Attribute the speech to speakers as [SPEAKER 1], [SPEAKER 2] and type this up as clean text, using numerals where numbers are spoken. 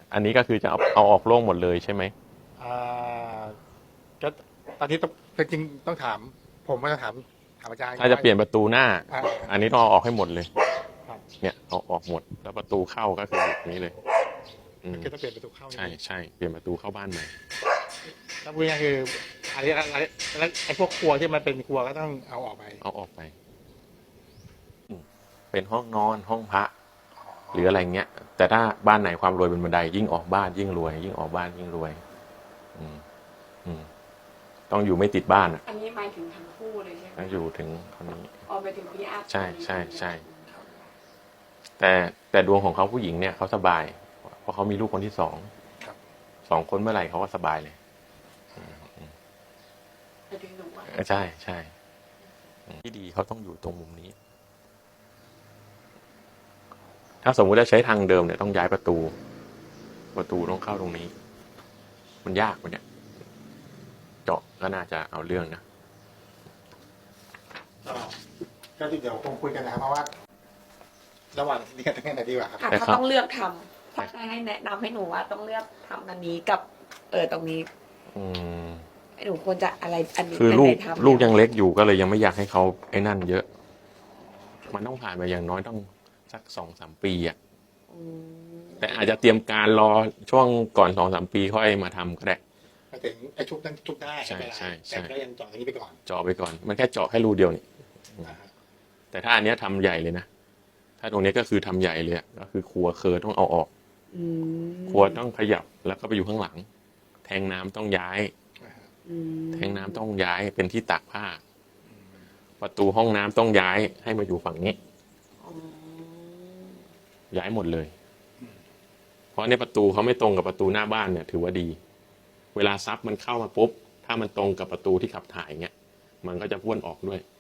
[SPEAKER 1] อันนี้ก็คือจะเอาออกโล่งหมดเลยใช่ไหม
[SPEAKER 2] อ่าก็ตอนนี้ต้องจริงๆต้องถาม ผมก็จะถามอาจารย์
[SPEAKER 1] ถ้าจะเปลี่ยนประตูหน้า
[SPEAKER 2] อ่า
[SPEAKER 1] อันนี้ต้องเอาออกให้หมดเลย
[SPEAKER 2] ครับ
[SPEAKER 1] เนี่ยเอาออกหมดแล้วประตูเข้าก็คืออย่างนี้เลย
[SPEAKER 2] ก็จะเปลี่ยนประตูเข้า
[SPEAKER 1] ใช่ใช่เปลี่ยนประตูเข้าบ้านใหม่
[SPEAKER 2] แล้วพูดง่ายๆคืออันนี้แล้วไอ้พวกครัวที่มันเป็นครัวก็ต้องเอาออกไป
[SPEAKER 1] เอาออกไปเป็นห้องนอนห้องพระหรืออะไรเงี้ยแต่ถ้าบ้านไหนความรวยเป็นบันไดยิ่งออกบ้านยิ่งรวยยิ่งออกบ้านยิ่งรวยต้องอยู่ไม่ติดบ้าน
[SPEAKER 3] อันนี้หมายถึงทั้งคู่เลยใช่ไหม
[SPEAKER 1] ต้องอยู่ถึงคนนี้
[SPEAKER 3] ออกไปถึงพี่อัพ
[SPEAKER 1] ใช่ใช่ใช่แต่ดวงของเขาผู้หญิงเนี่ยเขาสบายเพราะเขามีลูกคนที่สองคนเมื่อไหร่เขาก็สบายเลย
[SPEAKER 3] ไปถึงหนูอ่ะ
[SPEAKER 1] ใช่ใช่ที่ดีเขาต้องอยู่ตรงมุมนี้ถ้าสมมุติจะใช้ทางเดิมเนี่ยต้องย้ายประตูต้องเข้าตรงนี้มันยากมันเนี่ยเจาะก็น่าจะเอาเรื่องนะ
[SPEAKER 2] ก็เดี๋ยวคงคุยกันนะครับเพราะว่าระหว่างนี้กันไหนดีกว่าครับ
[SPEAKER 3] ถ้าต้องเลือกทำถ้าให้แนะนำให้หนูว่าต้องเลือกทำอันนี้กับตรงนี้หนูควรจะอะไรอันนี้
[SPEAKER 1] คือลูกยังเล็กอยู่ก็เลยยังไม่อยากให้เขาไอ้นั่นเยอะมันต้องผ่านไปอย่างน้อยต้องสัก2-3 ปีอ่ะแต่อาจจะเตรียมการรอช่วงก่อน2-3 ปีค่อยมาทำก็ได้
[SPEAKER 2] มาถึงไอ้ชุบนั้นชุบได้
[SPEAKER 1] ใช่ใช่
[SPEAKER 2] แต่ก็ยังเจาะตรงนี้ไปก่อน
[SPEAKER 1] เจาะไปก่อนมันแค่เจาะแค่รูเดียวนี่แต่ถ้าอันนี้ทำใหญ่เลยนะถ้าตรงนี้ก็คือทำใหญ่เลยก็คือครัวเคอต้องเอาออกครัวต้องขยับแล้วก็ไปอยู่ข้างหลังแทงน้ำต้องย้ายแทงน้ำต้องย้ายเป็นที่ตากผ้าประตูห้องน้ำต้องย้ายให้มาอยู่ฝั่งนี้ย้ายหมดเลยเพราะในประตูเขาไม่ตรงกับประตูหน้าบ้านเนี่ยถือว่าดีเวลาซับมันเข้ามาปุ๊บถ้ามันตรงกับประตูที่ขับถ่ายเงี้ยมันก็จะพ่วนออกด้วย